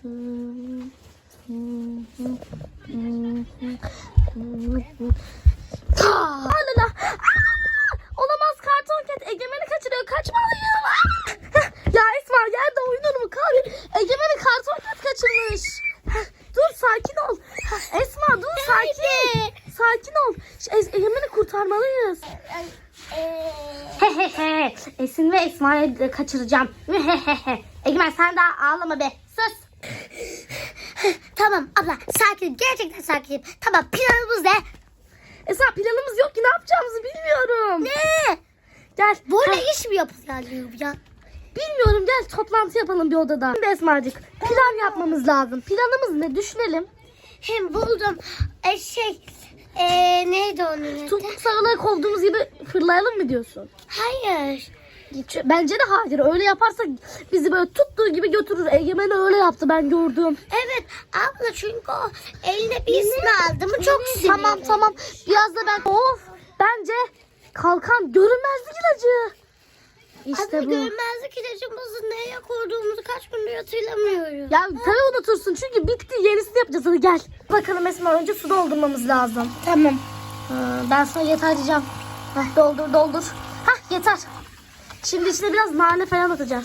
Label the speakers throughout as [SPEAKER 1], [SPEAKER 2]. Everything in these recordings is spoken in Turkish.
[SPEAKER 1] Alala. Olamaz, karton ket Egemen'i kaçırıyor. Kaçmalıyım. Ya Esma, yerde oyunur mu? Egemen'i karton ket kaçırmış. Dur, sakin ol. Esma dur, sakin. Sakin ol. Egemen'i kurtarmalıyız. Hehehe. Esin ve Esma'yı kaçıracağım. Egemen sen daha ağlama be. Sus.
[SPEAKER 2] Tamam abla, sakin, gerçekten sakinim. Tamam, planımız ne?
[SPEAKER 1] Esma, planımız yok ki, ne yapacağımızı bilmiyorum.
[SPEAKER 2] Ne?
[SPEAKER 1] Gel.
[SPEAKER 2] Böyle iş mi yapılıyor ya?
[SPEAKER 1] Bilmiyorum, gel toplantı yapalım bir odada. Şimdi Esma'cık, plan yapmamız lazım. Planımız ne, düşünelim.
[SPEAKER 2] Hem buldum. Neydi onun adı?
[SPEAKER 1] Tuttuk sarılarak olduğumuz gibi fırlayalım mı diyorsun?
[SPEAKER 2] Hayır.
[SPEAKER 1] Bence de hayır. Öyle yaparsak bizi böyle tuttuğu gibi götürür. Egemen öyle yaptı, ben gördüm.
[SPEAKER 2] Evet abla, çünkü o eline bir ismi aldı mı çok sinirli.
[SPEAKER 1] Tamam. Biraz da ben... Of! Bence kalkan görünmezlik ilacı. İşte
[SPEAKER 2] abla,
[SPEAKER 1] bu.
[SPEAKER 2] görmezlik ilacımızı neye koyduğumuzu kaç gündür hatırlamıyorum.
[SPEAKER 1] Ya tabii unutursun, çünkü bitti, yenisini yapacağız. Hadi gel. Bakalım Esma, önce su doldurmamız lazım.
[SPEAKER 2] Tamam.
[SPEAKER 1] Ben sana yeter diyeceğim. Doldur. Yeter. Şimdi içine biraz nane falan atacağız.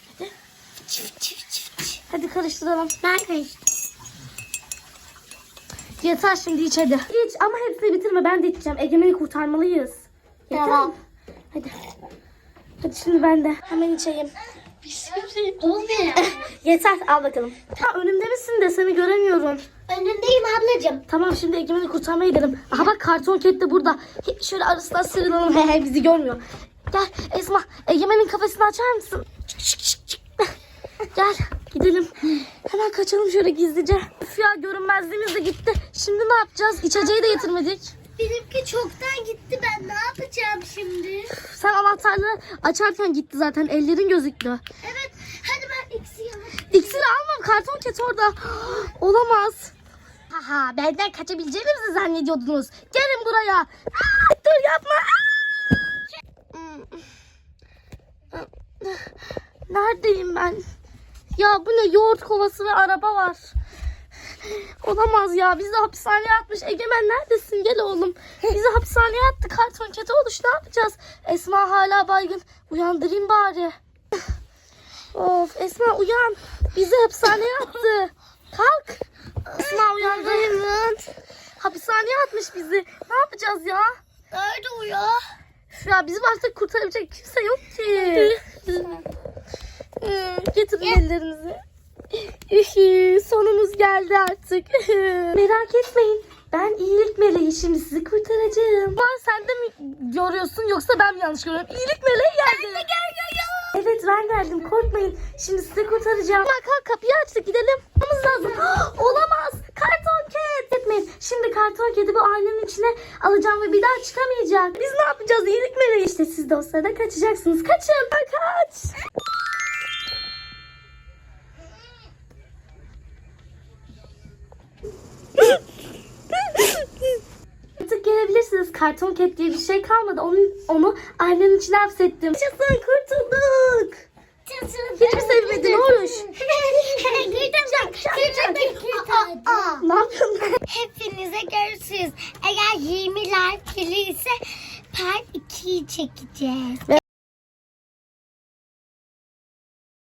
[SPEAKER 1] Hadi karıştıralım.
[SPEAKER 2] Ben karıştım.
[SPEAKER 1] Yeter, şimdi iç hadi. İç ama hepsini bitirme, ben de içeceğim. Egemen'i kurtarmalıyız. Yeter
[SPEAKER 2] Tamam.
[SPEAKER 1] mi? Hadi şimdi ben de hemen içeyim. Yeter, al bakalım. Önümde misin de seni göremiyorum.
[SPEAKER 2] Önündeyim ablacığım.
[SPEAKER 1] Tamam, şimdi Egemen'i kurtarmaya gidelim. Aha bak, karton ket de burada. Şöyle arasından sıyrılalım. Bizi görmüyor. Gel Esma, Egemen'in kafesini açar mısın? Çık. Gel gidelim. Hemen kaçalım şöyle gizlice. Üf ya, görünmezliğimiz de gitti. Şimdi ne yapacağız? İçeceği de getirmedik.
[SPEAKER 2] Benimki çoktan gitti, ben ne yapacağım şimdi?
[SPEAKER 1] Sen anahtarları açarken gitti zaten. Ellerin gözüktü.
[SPEAKER 2] Evet, hadi ben iksiri alayım.
[SPEAKER 1] İksiri almam. Karton ket orada. Olamaz. Haha, benden kaçabileceğinizi zannediyordunuz. Gelin buraya. Dur, yapma. Neredeyim ben? Ya bu ne, yoğurt kovası ve araba var. Olamaz ya, bizi hapishaneye atmış. Egemen neredesin, gel oğlum. Bizi hapishaneye attı, karton kete oluş, ne yapacağız? Esma hala baygın, uyandırayım bari. Of Esma, uyan, bizi hapishaneye attı. Kalk Esma, uyandırayım. Hapishaneye atmış bizi, ne yapacağız ya?
[SPEAKER 2] Nerede o ya?
[SPEAKER 1] Ya bizim artık kurtarabilecek kimse yok ki. Getirin ellerinizi. Sonumuz geldi artık. Merak etmeyin. Ben iyilik meleği, şimdi sizi kurtaracağım. Ama sen de mi görüyorsun, yoksa ben mi yanlış görüyorum? İyilik meleği geldi.
[SPEAKER 2] Ben de geliyorum.
[SPEAKER 1] Evet, ben geldim, korkmayın. Şimdi sizi kurtaracağım. Kalk, kapıyı açtık, gidelim. Olmamız lazım. Olamaz. Karton ket. Etmeyin. Şimdi karton kedi bu aynanın içine alacağım ve bir daha çıkamayacak. Biz ne yapacağız? İyilik meleği işte. Siz de o sırada kaçacaksınız. Kaçın. Kaç. Artık gelebilirsiniz. Karton ket diye bir şey kalmadı. Onu aynanın içine hapsettim. Yaşasın, kurtulduk. Hiç mi sevmedin Oruç? Ne yapıyorsun?
[SPEAKER 2] Hepinize görüşürüz. Eğer 20 like gelirse part 2'yi çekeceğiz.